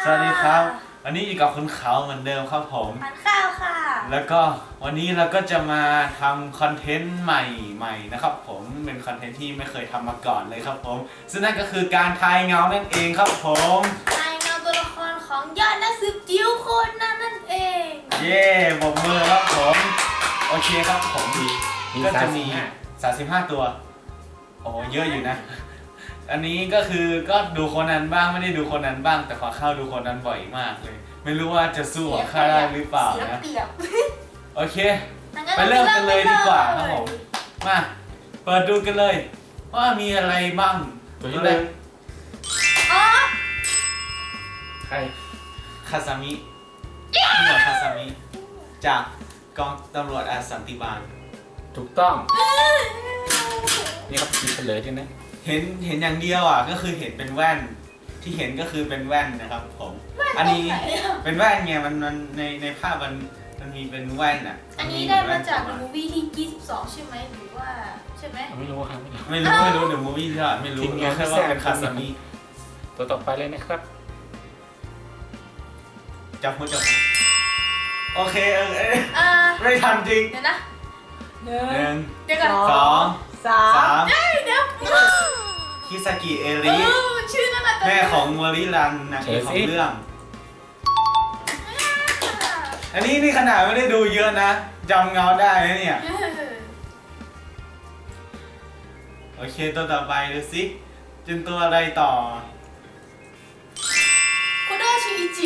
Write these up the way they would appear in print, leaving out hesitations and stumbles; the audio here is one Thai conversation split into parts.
สวัสดีครับวันนี้อยู่กับคุณเขาเหมือนเดิมครับผมทานข้าวค่ะแล้วก็วันนี้เราก็จะมาทำคอนเทนต์ใหม่ๆนะครับผมเป็นคอนเทนต์ที่ไม่เคยทำมาก่อนเลยครับผมซึ่งนั่นก็คือการทายเงานั่นเองครับผมนายเงาตัวละครของยอดนักสืบจิ๋วคนนั้นนั่นเองเย้ปรบมือครับผมโอเคครับผมก็จะมี35ตัวโอ้เยอะอยู่นะอันนี้ก็คือก็ดูคนนั้นบ้างไม่ได้ดูคนนั้นบ้างแต่ขอเข้าดูคนนั้นบ่อยมากเลยไม่รู้ว่าจะสู้กับข้าได้หรือเปล่านะเสียเปรียบโอเคไปเริ่มกันเลยดีกว่าครับผมมาเปิดดูกันเลยว่ามีอะไรบ้างตัวที่หนึ่งอ๋อใครคาซามิพี่หมวดคาซามิจากกองตำรวจอาสันติบาลถูกต้องนี่ครับมีเฉลยด้วยนะเห็นอย่างเดียวอ่ะก็คือเห็นเป็นแว่นที่เห็นก็คือเป็นแว่นนะครับผมอันนี้เป็นแว่นไงมันในภาพมันมีเป็นแว่นอ่ะอันนี้ได้มาจากมูวี่ที่22ใช่ไหมหรือว่าใช่ไหมไม่รู้ครับไม่รู้ไม่รู้เดี๋ยวมูวี่ที่ไม่รู้ทีมงานแค่ว่าเป็นคาซามิตัวต่อไปเลยนะครับจับมือโอเคอ่าไม่ทันจริงเดี๋ยวนะหนึ่งเดี๋ยวก่อนสองสาสาม มเดี๋ยวคิซากิเอเอริอชื่อนั่นน่ะแม่ของโมริรันนางเอกของเรื่อง อันนี้นี่ขนาดไม่ได้ดูเยอะนะจำเงาได้นะเนี่ย โอเคตัวต่อไปดูสิเป็นตัวอะไรต่อโคโดชิอิจิ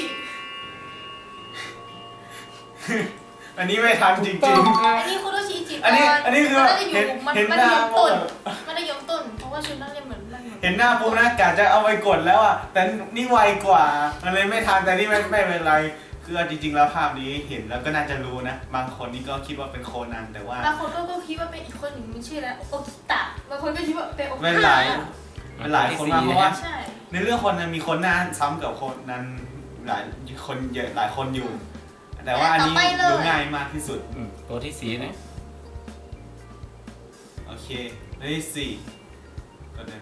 อันนี้ไม่ทันจถูริกต้องงครับอันนี้โคโดชิอิจิๆ อันนี้คือมันได้อยู่เห็นมันหได้น้ายงต้นมันได้ยงต้นเพราะว่าชุดนักเรียนเหมือนมันเห็นหน้าปุ๊บนะกะจะเอาไปกดแล้วอ่ะแต่นี่ไวกว่ามันเลยไม่ทันแต่นี่ไม่เป็นไรคือจริงๆแล้วภาพนี้เห็นแล้วก็น่าจะรู้นะบางคนนี่ก็คิดว่าเป็นโคนันแต่ว่าบางคนก็คิดว่าเป็นอีกคนหนึ่งมีชื่อแล้วโอคิตะบางคนก็คิดว่าเป็นโอคิเป็นตะหลายคนมากเพราะว่าใช่ในเรื่องคนนั้นมีคนหน้าซ้ำกับคนนั้นหลายคนเยอะหลายคนอยู่ แต่ว่าอันนี้ดูง่ายมากที่สุดตัวที่สี่นะโอเคเลขสี่ก็เดิน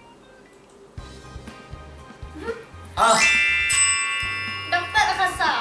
อ้าวด็อกเตอร์อาคาสะ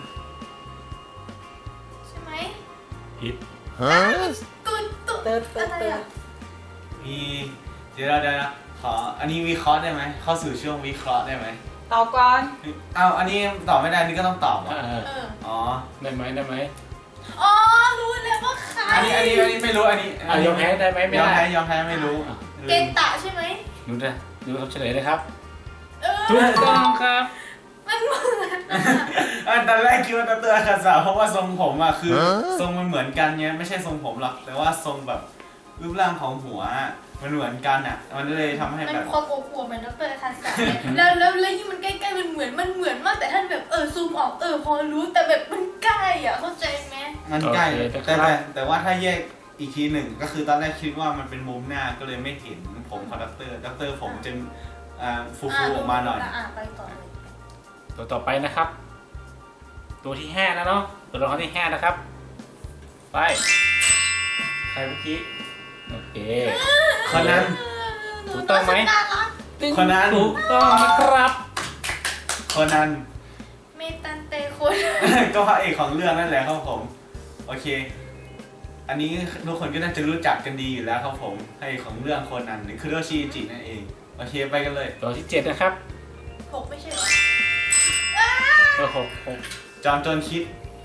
ใช่ไหมผิดตุ๊ดเติร์ดอะไรอ่ะมีเดี๋ยวนะขออันนี้วิเคราะห์ได้ไหมเข้าสู่ช่วงวิเคราะห์ได้ไหมตอบก่อนเอาอันนี้ตอบไม่ได้นี่ก็ต้องตอบเหรอ อ๋อได้ไหมได้ไหมอ๋อรู้แล้วว่าใครอันนี้ไม่รู้อันนี้ยอมแพ้ได้ไหมไม่ยอมได้แพ้ไม่รู้เกนตะใช่ไหมดูนะดูครับเฉลยนะครับเออถูกต้องครับมันเหมือนตอนแรกคิดว่าตาเตือนคาสาเพราะว่าทรงผมอ่ะคือทรงมันเหมือนกันไงไม่ใช่ทรงผมหรอกแต่ว่าทรงแบบรูปร่างของหัวมันเหมือนกันอ่ะมันเลยทำให้มันแบบความอบอวบเหมือนด็อกเตอร์อาคาสะแล้วยิ่งมันใกล้ๆมันเหมือนมากแต่ท่านแบบซูมออกพอรู้แต่แบบมันใกล้อ่ะเข้าใจไหมมันใกล้แต่ว่าถ้าแยกอีกทีหนึ่งก็คือตอนแรกคิดว่ามันเป็นมุมหน้าก็เลยไม่เห็นผมของด็อกเตอร์ผมจะฟูๆออกมาหน่อยไปต่อเลยตัวต่อไปนะครับ ตัวที่ห้านะเนาะตัวละครที่ห้านะครับ ไปใครเมื่อกี้โอเคคนนั้นถูกต้องไหมน่ารักคนนั้นถูกต้องนะครับคนนั้นเมตันเตคนก็พระเอกของเรื่องนั่นแหละครับผมโอเค อันนี้ทุกคนก็น่าจะรู้จักกันดีอยู่แล้วครับผมพระเอกของเรื่องคนนั้นคือโรชิจินั่นเองโอเคไปกันเลยตัวที่เจ็ดนะครับ 6ไม่ใช่เหรอตัวหกจอมโจรคิด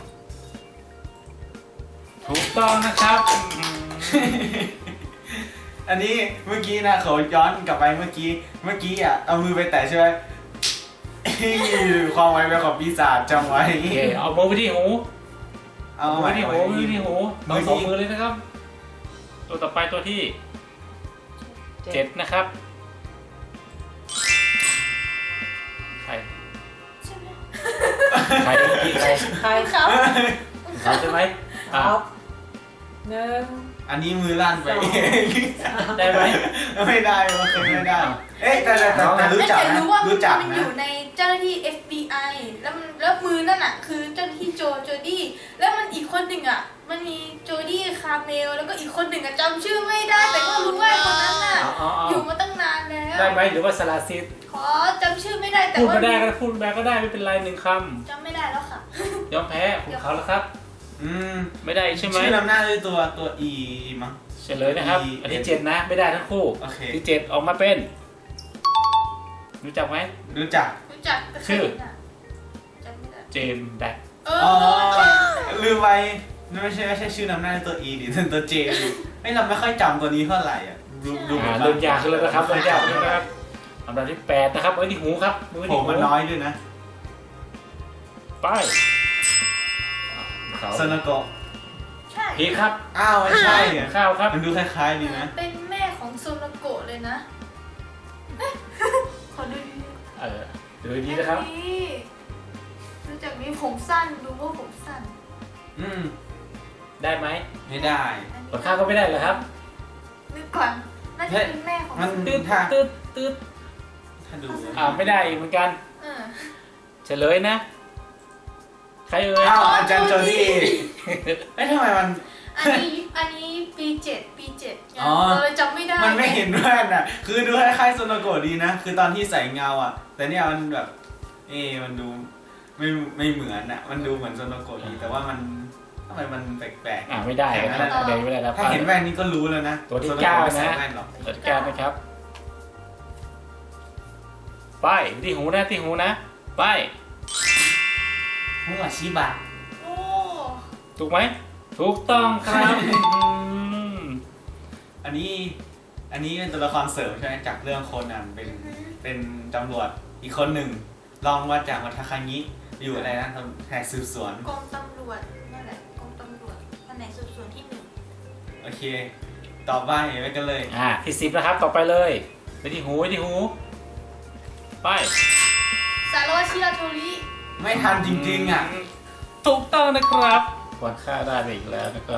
ถูกต้องนะครับอันนี้เมื่อกี้นะเขาย้อนกลับไปเมื่อกี้อ่ะเอามือไปแตะใช่ไหม ความไวเป็นของปีศาจจำไว้โอเคเอามือไปที่หูเอามือไว้ไปที่หูมือไปที่หูต้องสองมือเลยนะครับ ตัวต่อไปตัวที่เจ็ดนะครับ ใครใช่ไหมใครเมื่อกี้ใครใครเขาเขาใช่ไหมตอบหนึ่งอันนี้มือลั่นไปสองได้ไหมไม่ได้มันเคยไม่ได้ เอ๊ะแต่รู้จักแต่นะรู้ว่ารู้จักมันอนะยู่ในเจ้าหน้าที่ FBI แล้วมือนั่นอ่ะคือเจ้าหน้าที่โจดี้แล้วมันอีกคนหนึ่งอ่ะมันมีโจดี้คาร์เมลแล้วก็อีกคนหนึ่งอ่ะจำชื่อไม่ได้ แต่ก็รู้ว่าคนนั้นอ่ะอยู่มาตั้งนานแล้วได้ไหมหรือว่าสลาซิดขอจำชื่อไม่ได้แต่พูดว่าไม่ได้ก็พูดมาก็ได้ไม่เป็นไรหนึ่งคจำไม่ได้แล้วค่ะำยอมแพ้คุณเขาแล้วครับอืมไม่ได้ใช่ไหมชื่อนำหน้าด้วยตัว E มั้งเฉลยนะครับ อันที่ 7 นะไม่ได้ทั้งคู่โอเคที่ 7 ออกมาเป็น รู้จักไหมรู้จักรู้จักแต่ชื่อจำไม่ได้เจมส์แบ็คเออ๋ออลืมไปไม่ใช่ชื่อนำหน้าด้วยตัว E ดิเป็นตัว J ไม่เราไม่ค่อยจำตัวนี้เท่าไหร่อ่ะดูเริ่มยากขึ้นแล้วนะครับเริ่มยากขึ้นแล้วนะครับอันดับที่ 8 นะครับไว้ที่หูครับมือโหที่หูมันน้อยด้วยนะไปเขาซนาโกะใช่พีครับอ้าวไม่ใช่อ่ะข้าวครับมันดูคล้ายๆดีนะเป็นแม่ของโซนาโกะเลยนะเอ๊ะขอดูดีดูดีนะครับอัรู้จักนี้ผมสั้นดูว่าผมสั้นอืมได้ไหมไม่ได้กดข้าวก็ไม่ได้เหรอครับนึกก่อนน่าจะเป็นแม่ของมันตืดถ้าตืดตืดถ้าดูไม่ได้อีกเหมือนกันเออเฉลยนะ ใครเอ่ยอ้าวอาจารย์โจดี้เอ้ยทำไมมันอันนี้ปี7 อ๋อเลยจำไม่ได้มันไม่เห็นแว่นอ่ะ คือดูคล้ายๆโซนาโกะดีนะ คือตอนที่ใส่เงาอ่ะ แต่เนี่ยมันแบบ มันดูไม่เหมือนอ่ะ มันดูเหมือนโซนาโกะดี แต่ว่ามันทำไมมันแปลกไม่ได้ครับเดี๋ยวไม่ได้ครับๆ ถ้าเห็นแว่นนี้ก็รู้แล้วนะตัวที่โซโกเก้าไม่ใส่นะแว่นหรอกจัดการนะครับ ไปที่หูนะที่หูนะ ไปหัวชิบะโอ้ถูกไหม ถูกต้องครับอันนี้เป็นตัวละครเสริมใช่ไหมจากเรื่องโคนันเป็นตำรวจอีกคนหนึ่งลองมาจากวัทาคางิอยู่อะไรนะแหกสืบสวนกรมตำรวจนั่นแหละกรมตำรวจแผนกสืบสวนที่โอเคต่อไปไปกันเลยที่ 10นะครับ ต่อไปเลย ไปที่หูไปที่หู ไป 1สารวัตรชิราโทริไม่ทันจริงๆอ่ะถูกต้องนะครับควรค่าได้ไปอีกแล้วนะครับ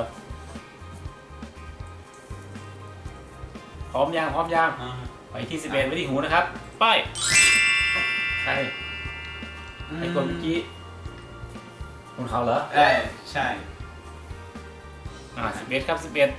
พร้อมยังไปที่ 11ไปที่หูนะครับ ไป ใครไอ้คนเมื่อกี้คุณเขาเหรอใช่ 11 ครับ 11 1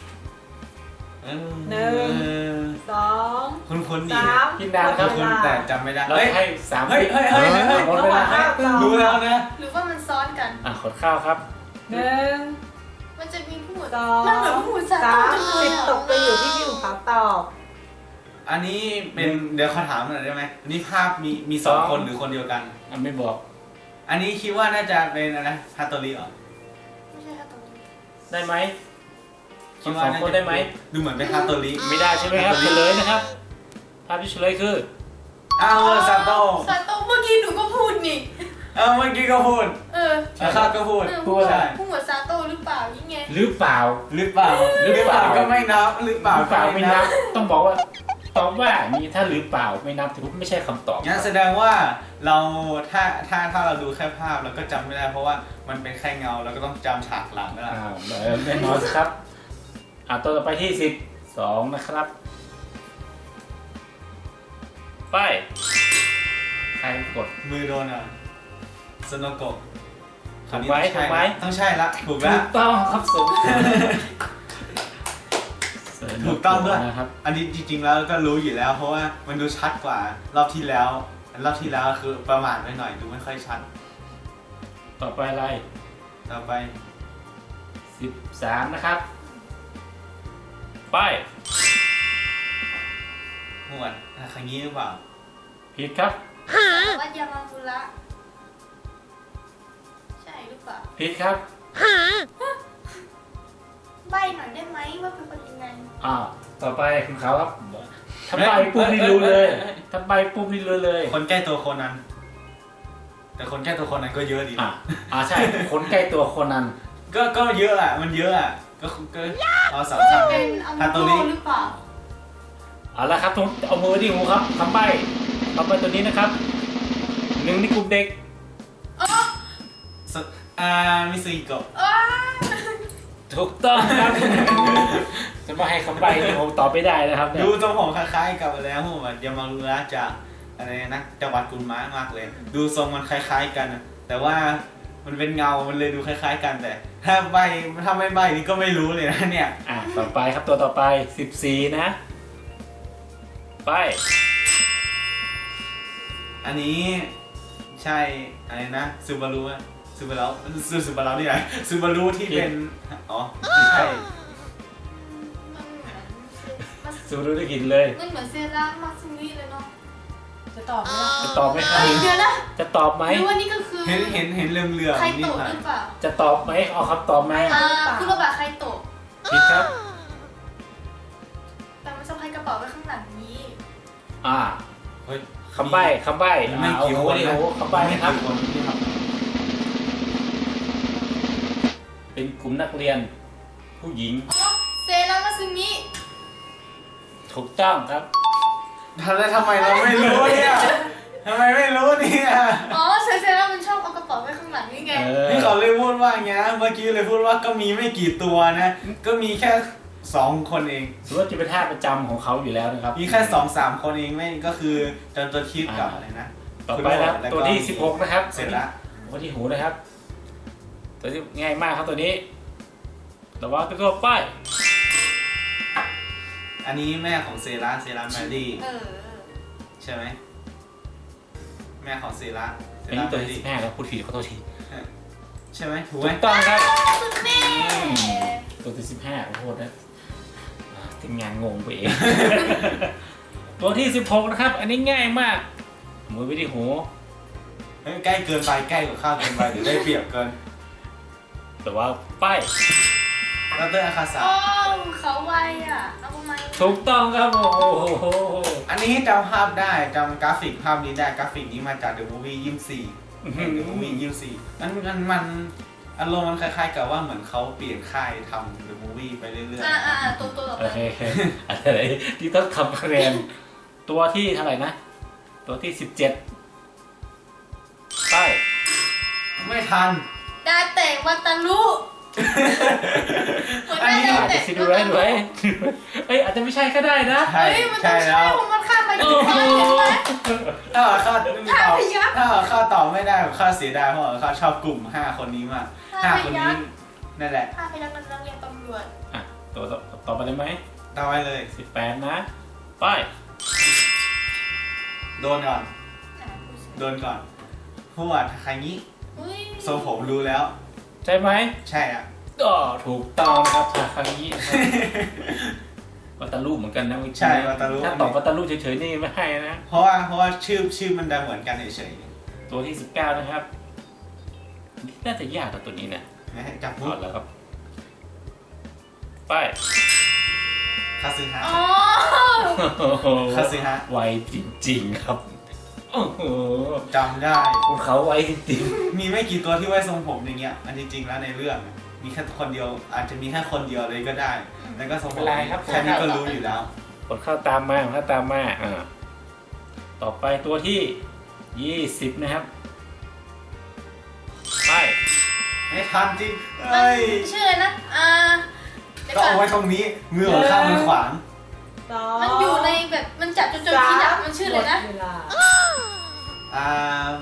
2 คุณดีกินนานครับคุณแต่จำไม่ได้เราให้3 เฮ้ยหมดเวลารู้แล้วนะหรือว่ามันซ้อนกันขดข้าวครับ 1 มันจะมีผู้หมวด 2 มันเหมือนผู้หมวดซาโต้จังเลย 10ตกไปอยู่ที่พี่อุ๋มเขาตอบอันนี้เป็นเดี๋ยวขอถามหน่อยได้ไหมอันนี้ภาพมีสองคนหรือคนเดียวกันไม่บอกอันนี้คิดว่าน่าจะเป็นอะไรฮาโตริเหรอไม่ใช่ฮาโตริได้ไหมคิดว่า 2 คนได้ไหมดูเหมือนเป็นฮาโตริไม่ได้ใช่ไหมครับ เฉลยนะครับ ภาพที่เฉลยคืออ้าวซาโต้ซาโต้เมื่อกี้หนูก็พูดนี่เมื่อกี้ก็พูด ข้าก็พูดผู้หมวดใช่ผู้หมวดซาโต้หรือเปล่ายังไงหรือเปล่าหรือเปล่าก็ไม่นับหรือเปล่าหรือเปล่าไม่นับ ต้องบอกว่า ตอบว่ามีถ้าหรือเปล่าไม่นับถือว่าไม่ใช่คำตอบงั้นแสดงว่าเราถ้าเราดูแค่ภาพเราก็จำไม่ได้เพราะว่ามันเป็นแค่เงาเราก็ต้องจำฉากหลังนั่นแหละแน่นอนครับ ตัวต่อไปที่12นะครับ ไป ใครกดมือโดนสโนโกะถูกไหมถูกไหมต้องใช่ละถูกถูละกต้องครับสูงถูกต้องด้วยนะครับอันนี้จริงๆแล้วก็รู้อยู่แล้ว เพราะว่ามันดูชัดกว่ารอบที่แล้วคือประมาทไปหน่อยดูไม่ค่อยชัดต่อไปอะไรต่อไป 13นะครับ ไปหมวดครั้งนี้หรือเปล่าผิดครับสารวัตรยามามุระใช่หรือเปล่าผิดครับใบหน่อยได้ไหมว่าเป็นคนยังไงต่อไปคุณเขาครับถ้าใบปุ๊บนี่รู้เลยถ้าใบปุ๊บนี่รู้เลยคนใกล้ตัวคนนั้น แต่คนใกล้ตัวคนนั้นก็เยอะดีนะใช่ คนใกล้ตัวคนนั้นก็เยอะอ่ะมันเยอะอ่ะก็เอาสำคัญเป็นอัมฮาโตโตริหรือเปล่าเอาละครับเอามือที่หูครับคำใบ้ตัวนี้นะครับ1ในกลุ่มเด็กอ๋อมิซุอิโกะอ๋อถูกต้องครับ จะมาให้คำใบ้ที่ผมตอบไม่ได้นะครับเนี่ยดูทรงผมคล้ายๆกับอะไรนะผมยามารุระจากอะไรนะจังหวัดกุนมะมากเลย ดูทรงมันคล้ายๆกันนะแต่ว่ามันเป็นเงา มันเลยดูคล้ายๆกันแต่ ถ้าไม่ใบนี่ก็ไม่รู้เลยนะเนี่ยต่อไปครับตัวต่อไป14นะไปอันนี้ใช่อะไรนะซูบารุอะซูบารุนี่ไงซูบารุที่เป็นอ๋อไม่ใช่ซูรู้ได้กินเลยมันเหมือนเซรั่มมาซูมิเลยเนาะจะตอบไหมล่ะจะตอบไหมครับเดี๋ยวนะจะตอบไหมหรือว่านี่ก็คือเห็นเรื่องใครนี่โตะผ่าหนรือเปล่าจะตอบไหมเอาคำตอบมาคุณระบาใครโตะผิดครับแต่มันสะพายกระเป๋าไว้ข้างหลังนี้เฮ้ยคำใบ้ไม่กี่คนโอ้นะโหคำใบ้นะครับไม่กี่คนที่ทำเป็นกลุ่มนักเรียน ผู้หญิงอ๋อเซรั่มมาซูมิถูกต้องครับทำไมเราไม่รู้เนี่ยทำไมไม่รู้เนี่ยอ๋อเซรั่มมันชอบเอากระเป๋าไว้ข้างหลังนี่ไงนี่เขาเลยพูดว่าอย่างเงี้ยเมื่อกี้เลยพูดว่าก็มีไม่กี่ตัวนะ ก็มีแค่2 คนเองถือว่าจะเป็นท่าประจำของเขาอยู่แล้วนะครับมีแค่2-3 คนเองไม่ก็คือจนตัวคิดกับอะไรนะต่อไปนะครับแล้วก็ตัวที่16นะครับเสร็จละตัวที่หูนะครับ ตัวที่ง่ายมากครับตัวนี้ระวังตัวป้ายอันนี้แม่ของเซราแมรี่ ใช่ไหมแม่ของเซราอันนี้ตัวที่15ครับพูดผิดขอโทษทีใช่ไหมถูกไหมถูกต้องครับคุณแม่ตัวที่15ขอโทษนะทีมงานงงไปเอง ตัวที่16นะครับ อันนี้ง่ายมากมือไว้ที่หูเฮ้ยใกล้เกินไปใกล้กว่าข้าวเกินไปหรือได้เปรียบเกินแต่ว่าป้ายแล้วเตอร์อาคาสะอ๋อเขาไวอ่ะเอาทำไมถูกต้องครับโอ้โหอันนี้จำภาพได้จำกราฟิกภาพนี้ได้กราฟิกนี้มาจาก The Movie 24เห็น The Movie 24มันอารมณ์มันคล้ายๆกับว่าเหมือนเขาเปลี่ยนค่ายทำ The Movie ไปเรื่อยตัวต่อโอไปเคอะไรที่ต้องทำคะแนนตัวที่เท่าไหร่นะ ตัวที่17ป้ายๆไม่ทันดาเตะวัตารุคนอันได้นี้ดาอาจเตะจะซิดูไว้ดูไว้เอ้ยอาจจะไม่ใช่ก็ได้นะใช่เฮ้ยมันต้ใช่องใช่แล้วผมมันข้ามไปโอ้ถึงโหข้ามเห็นไหมถ้าข้าไม่มีข้าตอบพยัคฆ์ถ้าข้าตอบไม่ได้ข้าเสียดายเพราะว่าข้าชอบกลุ่ม5 คนนี้มาก5 คนนี้นั่นแหละข้าพยักนักเรียนตำรวจอ่ะตัวต่อไปได้ไหมต่อไปเลย 18นะป้ายโดนก่อนโดนก่อนพูดว่าใครงี้อุ้ยทรงผมรู้แล้วใช่ไหมใช่อ่ะก็ถูกต้องนะครับครั้งนี้นะครับวัตาลูเหมือนกันนะใช่วัตารุถ้าตอบวัตาลูเฉยๆนี่ไม่ให้นะเพราะว่าชื่อมันดังเหมือนกันเฉยตัวที่19นะครับน่าจะยากกว่าตัวนี้นะๆนะฮะจับถมุอดดแล้วครับป้ายคาซึฮะอ๋อคาซึฮะไวจริงๆครับโอ้โหจำได้ภูเขาไวจริงมีไม่กี่ตัวที่ไว้ทรงผมอย่างเงี้ยอันจริงๆแล้วในเรื่องมีแค่คนเดียวอาจจะมีแค่คนเดียวเลยก็ได้แล้วก็ทรงผมแค่นี้ก็รู้อยู่แล้วๆผลเข้าตามมาต่อไปตัวที่20นะครับป้ายไม่ทันจริงมันเอ้ยชื่ออะไรนะเดี๋ยวก็ก่อนเอาไว้ตรงนี้มือของข้ามันขวางสองมันอยู่ในแบบมันจับจนคิดอ่ะมันชื่ออะไรนะหมดเวลาอ่า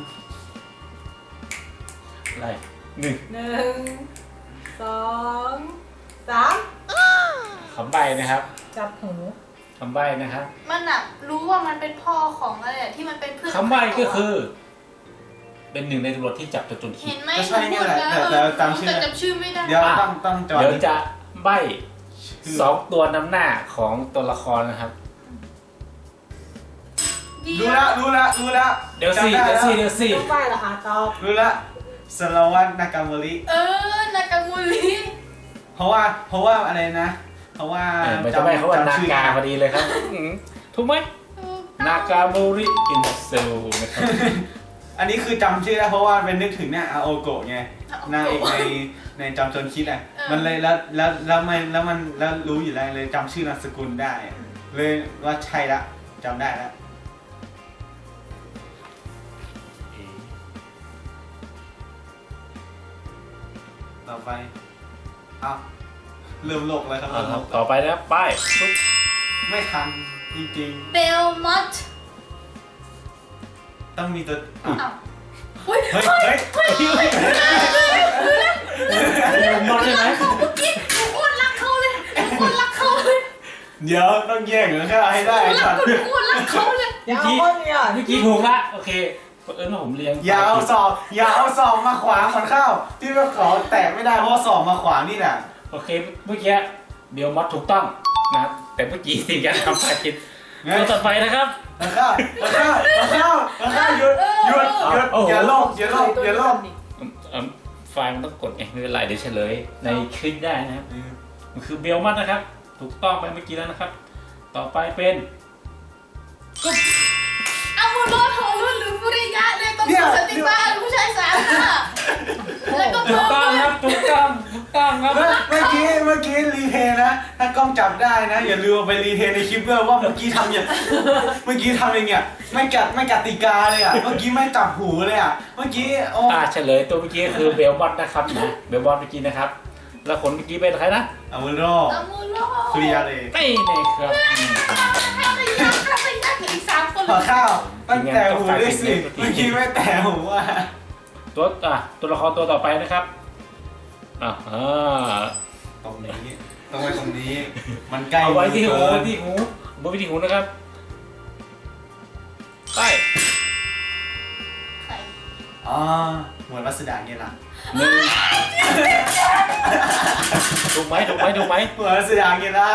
อะไร1 1 2 3 คำใบ้นะครับจับหูคำใบ้นะครับมันอ่ะรู้ว่ามันเป็นพ่อของอะไรอะที่มันเป็นเพื่อนคำใบ้ก็คือ เป็นหนึ่งในตำรวจที่จับตัวจนคิเห็ดนไหมก็ใช่เนี่ยแหละแต่จำชื่อแต่จำชื่อไม่ได้เดี๋ยวต้องจอดเดี๋ยวจะใบ้ชื่อ 2 ตัวนำหน้าของตัวละครนะครับรู้แล้วเดี๋ยวสิจำได้เดี๋ยวสิต้องไปเหรอคะตอบรู้แล้วสารวัตรนากาโมรินากามูริเพราะว่าอะไรนะ เพราะว่ามันจะใบ้เขาว่านาชื่กาพอดีเลยครับถูกไหมนากาโมริอินเซลนะครับอันนี้คือจำชื่อได้เพราะว่าเป็นนึกถึงเนี่ยอาโอโกะไงนางเอกในจำจนคิดอ่ะมันเลยแล้วรู้อยู่แล้วเลยจำชื่อนามสกุลได้ เลยว่าใช่ละจำได้แล้วต่อไปเอาเริ่มโลกแล้วครับเอาเริ่มคโลรับกต่อไปนะครับป้ายปุ๊บไม่ทันจริงเบลมอตๆต้องมีตัวอ้าวเฮ้ยเฮ้ยเฮ้ยมอดใช่ไหมเมื่อกี้หนูอ้วนรักเขาเลยหนูอ้วนรักเขาเลยเดี๋ยวต้องแยกเหรอข้าให้ได้หนูรัทักนคุณอ้วนรักเขาเลยอย่าเอาคนเนี่ยเมื่อกี้ถูกละโอเคว่าผมเรียงอย่าเอาศอกมาขวางขอนข้าวที่ว่าขอแตะไม่ได้เพราะว่าศอกมาขวางนี่แหละโอเคเมื่อกี้เบลมอดถูกต้องนะครับแต่เมื่อกี้สิ่งที่ทำไปผิดตัวต่อไปนะครับข้าวหยุดอย่าโลกอย่าโลกไฟล์มันต้องกดไงไม่เป็นไรเดี๋ยวเฉลยในคลิปได้นะครับมันคือเบลมัดนะครับ ถูกต้องไปเมื่อกี้แล้วนะครับ ต่อไปเป็นอามูโนโทรุหรือฟุริยะเลยต้องเป็นสติบ้าผู้ชายสามค่ะแล้วก็ถูเพิ่กมต้องครับถูกต้องครับเมื่อกี้รีเพย์นะถ้ากล้องจับได้นะอย่าลืมเอาไปรีเพย์ในคลิปด้วยว่าเมื่อกี้ทำอย่างเมื่อกี้ทำอย่างเงี้ยไม่กติกาเลยอ่ะเมื่อกี้ไม่จับหูเลยอ่ะเมื่อกี้โอ้เฉลยตัวเมื่อกี้คือเบลมอดนะครับนะเบลมอดเมื่อกี้นะครับ แล้วคนเมื่อกี้เป็นใครนะอาวุโรอามูโนคุริยาเลยไม่เลยครับถ้าไปยักอีก3 คนขอข้าวตั้งแต่หูด้วยสิเมื่อกี้ไม่แต่หูอ่ะตัวละครตัวต่อไปนะครับตรงนี้ต้องไว้ตรงนี้มันใกล้เอาไว้ที่หูเกินที่หูบนที่หูนะครับไปใครอ๋อเหมือนวัสดาเนี่ยนะหนึ่งถูกไหมเหมือนวัสดาเนี่ยนะ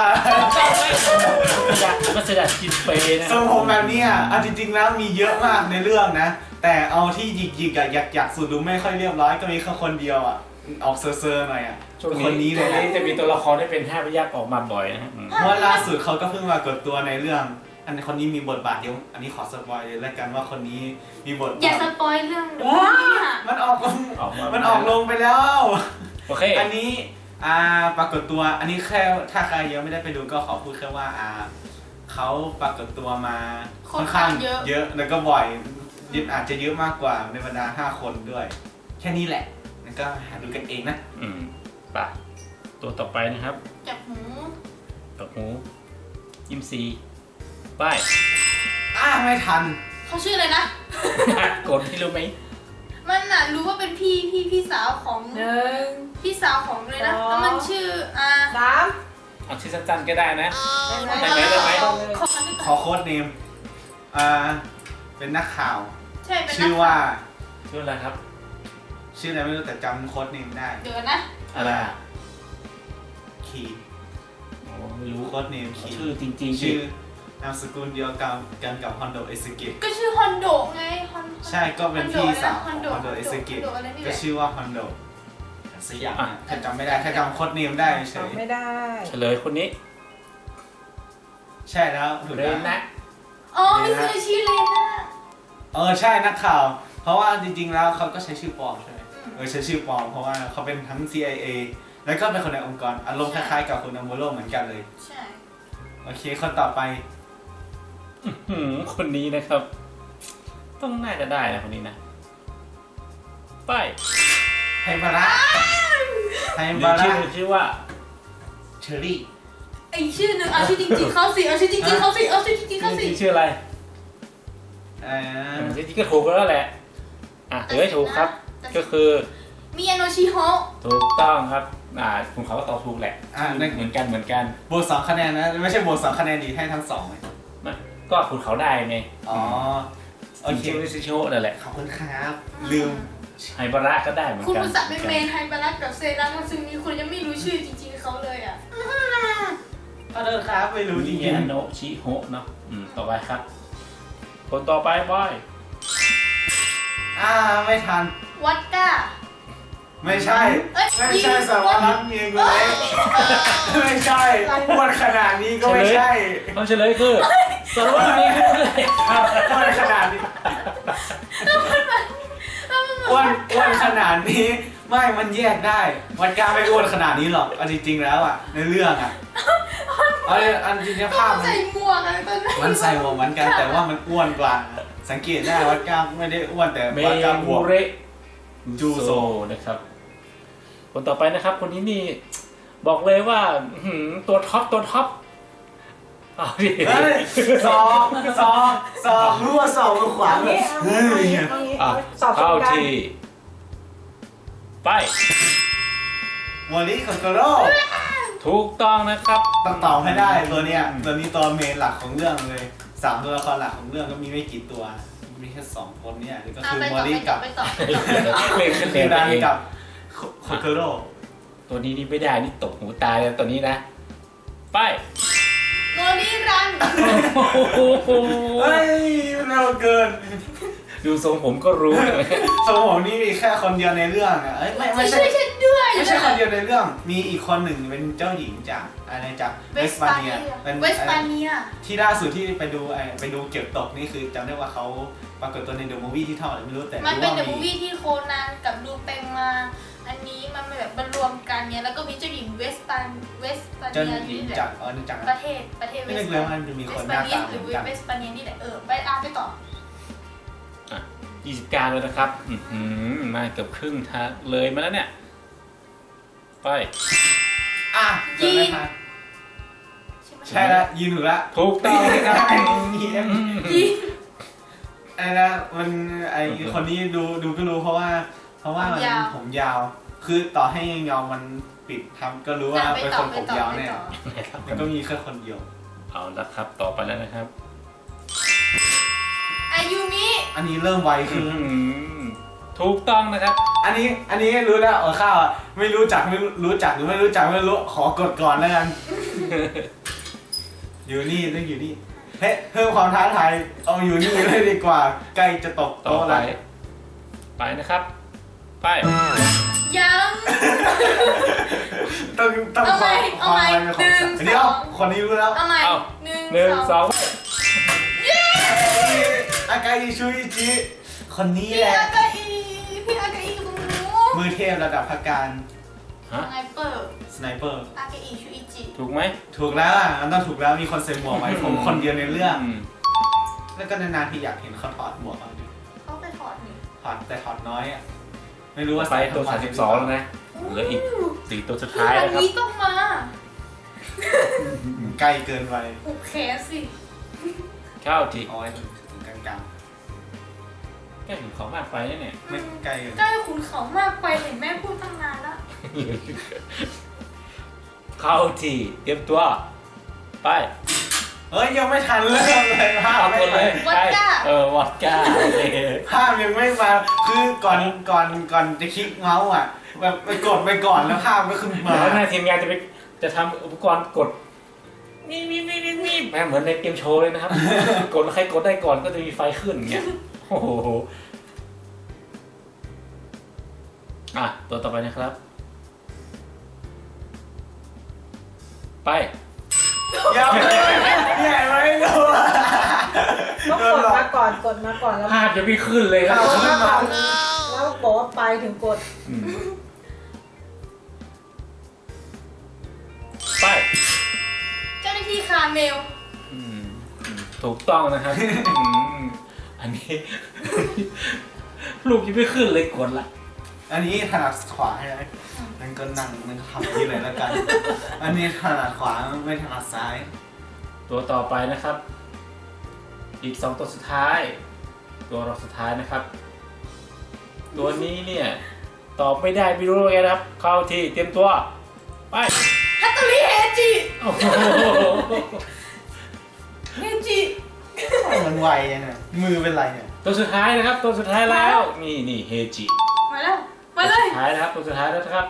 มันจะกินเปย์นะทรงผมแบบเนี้ยเอาจริงๆแล้วมีเยอะมากในเรื่องนะ แต่เอาที่หยิกๆอะอยากสุดดูไม่ค่อยเรียบร้อยก็มีแค่คนเดียวอ่ะออกเซอร์ๆหน่อยอ่ะช่วงคนนี้เลยนะจะมีตัวละครที่เป็น5พยัคฆ์ออกมาบ่อยนะฮะเพราะว่าล่าสุดเขาก็เพิ่งมากดตัวในเรื่อง อันนี้คนนี้มีบทบาทเดียวอันนี้ขอสปอยเลยแล้วกันว่าคนนี้มีบทอย่าบาทสปอยเรื่องมันออกลงไปแล้วโอเคอันนี้ปรากฏตัวอันนี้แค่ถ้าใครยังไม่ได้ไปดูก็ขอพูดแค่ว่าเขาปรากฏตัวมาค่อนข้างเยอะแล้วก็บ่อยอาจจะเยอะมากกว่าในบรรดา5 คนด้วย แค่นี้แหละแล้วก็หาดูกันเองนะไปตัวต่อไปนะครับจับหูตบหูยิ้มซีไปไม่ทันเขาชื่ออะไรนะกดที่รู้ไหมมันน่ะรู้ว่าเป็นพี่สาวของ 1 พี่สาวของเลยนะแล้วมันชื่อ 3 เอาชื่อสั้นๆก็ได้นะได้ได้ไหมขอโค้ดเนมเป็นนักข่าวใช่เป็นชื่อว่าชื่ออะไรครับชื่ออะไรไม่รู้แต่จำโค้ดเนมได้เดี๋ยวนะอะไรอ่ะคีโอ้ไม่รู้โค้ดเนมคีชื่อจริงๆชื่อนามสกุลเดียวกันกับฮอนโดเอสเกตก็ชื่อฮอนโดไงฮอนใช่ก็เป็นพี่สาวของฮอนโดฮอนโดเอสเกตอะไรนี่แหก็ละชื่อว่าฮอนโดสักอย่างนะแค่จำไม่ได้แค่จำโค้ดเนมได้เฉยจำไม่ได้เฉลยคนนี้ใช่แล้วถูกเรนนะนะอ๋อมิซูบิชิเลน่าใช่นักข่าว เพราะว่าจริงๆแล้วเขาก็ใช้ชื่อปลอมใช่ไหมใช้ชื่อปลอมเพราะว่าเขาเป็นทั้ง CIA แล้วก็เป็นคนในองค์กรอารมณ์คล้ายๆกับคุณอัมโบโรเหมือนกันเลยใช่โอเคคนต่อไปคนนี้นะครับ ต้องน่าจะได้นะคนนี้นะไปไฮบาระไฮบาระชื่อว่าเชอรี่ไอชื่อหนึ่งเอาชื่อจริงๆเขาสิเอาชื่อจริงๆเขาสิเอาชื่อจริงๆเขาสิชื่ออะไรอ่าจริงๆก็ถูกแล้วแหละถูกครับ ก็คือมิยาโนชิโฮะถูกต้องครับคุณเขาก็ตอบถูกแหละเหมือนกันบวก2 คะแนนนะไม่ใช่บวก2 คะแนนดีให้ทั้ง2เลยก็คุณเขาได้ไงอ๋อโอเคชื่อซิโชนั่นแหละขอบคุณครับลืมไฮบาระก็ได้เหมือนคุณกันอุตส่าห์เป็นเมนไฮบารัสกับเซรามาซึงนี้คุณยังไม่รู้ชื่อจริงๆเขาเลยอ่ะขอโทษครับไม่รู้จมิริงยาโนะชิโฮะเนาะต่อไปครับ คนต่อไปบอยๆไม่ทันวัดก้าไม่ใช่เอ้ยไม่ใช่สารวัตรเองเลยไม่ใช่อ้วนขนาดนี้ก็ไม่ใช่ต้องเฉลยคือสารวัตรมีคือเลยครับอ้วนขนาดนี้อ้วนขนาดนี้ไม่มันแยกได้มันกล้าไม่อ้วนขนาดนี้หรอกเอาจริงๆแล้วอ่ะในเรื่องอ่ะอันจริงๆภาพใส่หมวกอะไรตอนนั้นมันใส่หมวกเหมือนกันแต่ว่ามันอ้วนกว่าสังเกตได้วัดกล้ามไม่ได้อ้วนแต่เมวัดกล้ามบมูวกเระจูโซนะครับ คนต่อไปนะครับ คนนี้นี่บอกเลยว่าอื้อหือตัวท็อปเอาดิเฮ้ยสองรู้ว่าสองมันขวางเลยเฮ้ยอ่ะสอบเข้ากันที่ไปวอลลี่คอนโกโร่ถูกต้องนะครับต้องตอบให้ได้ตัวเนี้ยตัวนี้ตัวเมนหลักของเรื่องเลย3ตัวละครหลักของเรื่องก็มีไม่กี่ตัวมีแค่2คนเนี่ยก็คือไปวต่ออลลี่กับไปต่อเล่นขึ้นคืเล่อน ดันเองกับคอนโกโร่ตัวนี้นี่ไม่ได้นี่ตกหูตายเลยตัวนี้นะ ไปโนรีรันโอ้โหเฮ้ยเร็วเกินดูทรงผมก็รู้เลยสมองนี่มีแค่คนเดียวในเรื่องอ่ะเอ้ยไม่ใช่ช่วยฉันด้วยไม่ใช่คนเดียวในเรื่องมีอีกคนหนึ่งเป็นเจ้าหญิงจากอะไรจากเวเวสสปาปาเนีเนียยเป็นเวสปาเนียที่ล่าสุดที่ไปดูเก็บตกนี่คือจำได้ว่าเขาปรากฏตัวในเดอะมูฟวี่ที่เท่าไหร่ไม่รู้แต่มันรู้เป็นว่าเดอะมูฟวี่ที่โคนันกับลูเปงมาอันนี้มันแบบมันรวมกันเนี่ยแล้วก็มีเจ้าหญิงเวสปาเจ้าเนียหญิงนี่แหละจากจากประเทศเวไม่สนึกเลยว่ามันจะมีเวคนสหปาน้าเนียตาหเหรืมืออนกันเวสปาเนียนี่แหละไป 20 การเลยนะครับมาเกือบครึ่งทางเลยมาแล้วเนี่ย ไปอ่ะจำได้ค่ะใช่แล้วยินถูกแล้วถูกต้องนะครับยีนไอ้นะมันไอคนนี้ดูก็รู้เพราะว่ามันผมยาว คือต่อให้ยังยาวมันปิดทำก็รู้ว่าเป็นคนผมยาวแน่มันก็มีแค่คนเดียวเอาละครับต่อไปแล้วนะครับอายุมิอันนี้เริ่มไวคือถูกต้องนะครับอันนี้รู้แล้วข้าวอ่ะไม่รู้จักไม่รู้จักหรือไม่รู้จักไม่รู้ขอกดก่อนแล้วกัน อยู่นี่ต้องอยู่นี่เฮ้ยเพิ่มความท้าทายเอาอยู่นี่เลยดีกว่าใกล้จะตกต่อโต๊ะไปแล้วไปนะครับ ไปยังต้องเอาใหม่ความเอาใหม่อะไรเป็นของสัตว์ 1 เดี๋ยวคนนี้รู้แล้วเอาใหม่เอาหนึ่งหนึ่งสสออง งอากาอิชูอิจิคนนี้พี่แหละอากาอีพี่อากาอีกับหนูมือเทพระดับพักการฮะสไนเปอร์สไนเปอร์อากาอีชูอิจิถูกไหมถูกแล้วอ่ะมันต้องถูกแล้วมีคนใส่หมวกไว้ผมคนเดียวในเรื่องมแล้วก็นานๆที่อยากเห็นเขาถอดหมวกเขาดิเขาไปถอดนี่ถอดแต่ถอดน้อยอ่ะไม่รู้ว่าไปตัวทำไม 32แล้วนะเหลืออีก4ตัวสุดท้ายอันนะครับนี้ต้องมาใกล้เกินไปผูกแขนสิเข้าทีเอาไว้ถึงกลางแก้ถึงของมากไปแล้วเนี่ยๆไม่ใกล้เกินใกล้ขุนเขามากไปเห็นแม่พูดตั้งนานแล้วเข้าทีเตรียมตัว ไปเฮ้ยยังไม่ทันเริ่มเลยภาพเอาไม่คนเลยมาวัดก้าวอดก้าโอเคภาพยังไม่มาคือก่อนจะคลิกเมาส์อ่ะแบบไปกดไปก่อนแล้วภาพก็ขึ้นมาแล้วหน้าทีมงานจะทำอุปกรณ์กดนี่แม่เหมือนในเกมโชว์เลยนะครับ กดแล้วใครกดได้ก่อนก็จะมีไฟขึ้นอย่างเงี้ยโอ้โหอ่ะตัวต่อไปนะครับ ไปยังไม่รู้อะต้องกดมาก่อนแล้วภาพจะไม่ขึ้นเลยครับแล้วบอกว่าไปถึงกดอืมไปเจ้าหน้าที่คาเมลถูกต้องนะครับอันนี้ รูปยังไม่ขึ้นเลยกดละอันนี้ถนัดขวาใช่ไหมนั่นก็นั่งมันก็ทำที่เลยแล้วกัน อันนี้ถนัดขวาไม่ถนัดซ้ายตัวต่อไปนะครับ อีก2ตัวสุดท้าย ตัวรองสุดท้ายนะครับ ตัวนี้เนี่ยตอบไม่ได้ไม่รู้ว่าไงนะครับ เข้าที่เตรียมตัว ไปฮัตโตริเฮจิโอ้โหเฮจิมันไวยังไงมือเป็นไรเนี่ยตัวสุดท้ายนะครับ ตัวสุดท้ายแล้ว นี่เฮจิมาแล้วมาเลยสุดท้ายนะครับ ตัวสุดท้ายแล้วนะครับ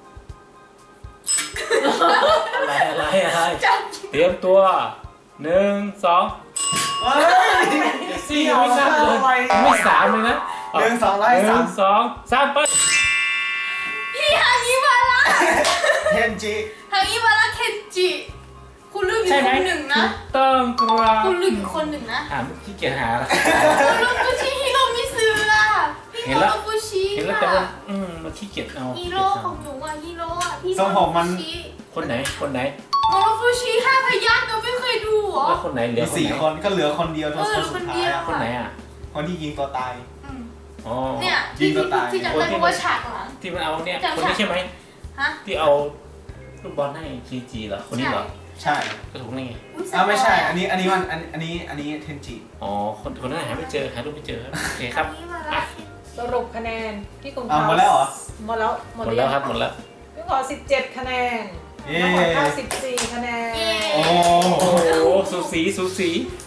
อะไรจับเตรียมตัว1 2 เฮ้ยสี่ยังไม่นับเลยยังไม่3เลยนะหนึ่งสองไล่สาม 1 2 3ไปพี่ฮางิวาระเทนจิฮางิวาระเคนจิ คุณลืมอีกใช่ไหมคนหนึ่งนะถูกต้องครับคุณลืมอีกคนหนึ่งนะขี้เกียจหาแล้วคุณลืมฟูชิฮิโรมิซึอะพี่เห็โมนแล้วโรฟูชิเห็นแล้วแต่ว่ามันขี้เกียจเอาฮีโร่ของหนูอะฮีโร่อะพี่ทรงผมมันคนไหนโมโรฟูชิห้าพยัคฆ์เราไม่เคยดูเหรอแล้วคนไหนเหลืมีอคนสี่ไหนคนก็เหลือคนเดียวตัวเออสุดท้ายคนเดียวอะคนไหนอ่ะคนที่ยิงตัวตายอืมอ๋อเนี่ยยิงตัวตายที่จำได้เพราะว่าฉากหลังที่มันเอาเนี่ยจำคนนี้ใช่ไหมฮะที่เอาลูกบอลให้จีจีเหรอคนนี้เหรอใช่ก็ถูกนี่ไงอุ๊ยไม่ใช่สปยอันนี้เทนจิอ๋อคนนั้นหาไม่เจอหารูปไม่เจอครับโอเคครับอันนี้มาแล้วสรุปคะแนนพี่กุงหมดแล้วเหรอหมดแล้วหมดแล้วครับหมดแล้วพี่ขอ17 คะแนนเย้น้องขอข้าว14 คะแนนเย้โอ้โอ้โหสูสีสูสี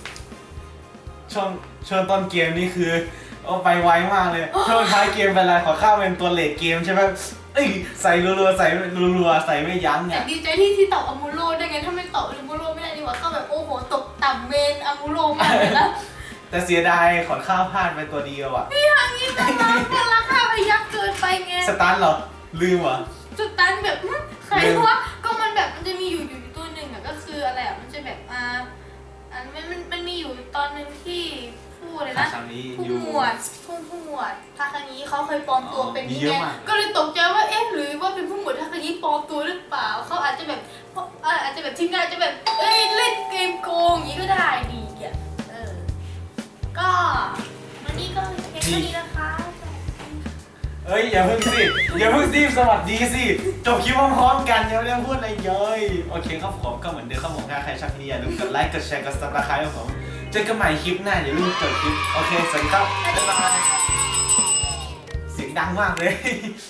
ช่วงต้นเกมนี่คือไปไวมากเลยช่วงท้ายเกมเป็นไรขอข้าวเป็นตัวเลดเกมใช่ไหมเอ้ยใส่รัวๆใส่รัวๆใส่ไม่ยั้งแต่เนี่ยดีใจที่ตอบอามูโร่ได้ไงถ้าไม่ตอบอามูโร่ไม่ได้ดีกว่าเข้าแบบโอ้โหตกต่ำเมนอามูโร่มากเลยนะแต่เสียดายขอข้าวพลาดไปตัวเดียวอ่ะพี่ทางนี้น่ารักแต่ราคาพยักเกินไปไงสตันเหรอลืมเหรอจุดตันแบบใครวะก็มันแบบมันจะมีอยู่ตัวหนึ่งอ่ะก็คืออะไรอ่ะมันจะแบบอันมันมีอยู่ตอนหนึ่งที่พูดเลยนะคำนี้ผู้อยู่หมวดทาคางิเขาเคยปลอมตัวเป็นมีนี่เยอะไงมากก็เลยตกใจว่าเอ๊ะหรือว่าเป็นผู้หมวดทาคางิปลอมตัวหรือเปล่าเขาอาจจะแบบอาจจะแบบทีมงานอาจจะแบบเอ้ยเล่นเกมโกงอย่างนี้ก็ได้ดีอ่ะก็วันนี้ก็เพียงเท่านี้นะคะเอ้ยอย่าเพิ่งสิสวัสดีสิจบคลิปพร้อมๆกันยังไม่ได้พูดอะไรเลยโอเคครับผมก็เหมือนเดิมครับผมถ้าใครชอบคลิปนี้อย่าลืมกดไลค์กดแชร์กดซับสไครต์ครับผมเจอกันใหม่คลิปหน้าอย่าลืมจบคลิปโอเคสวัสดีครับบ๊ายบายเสียงดังมากเลย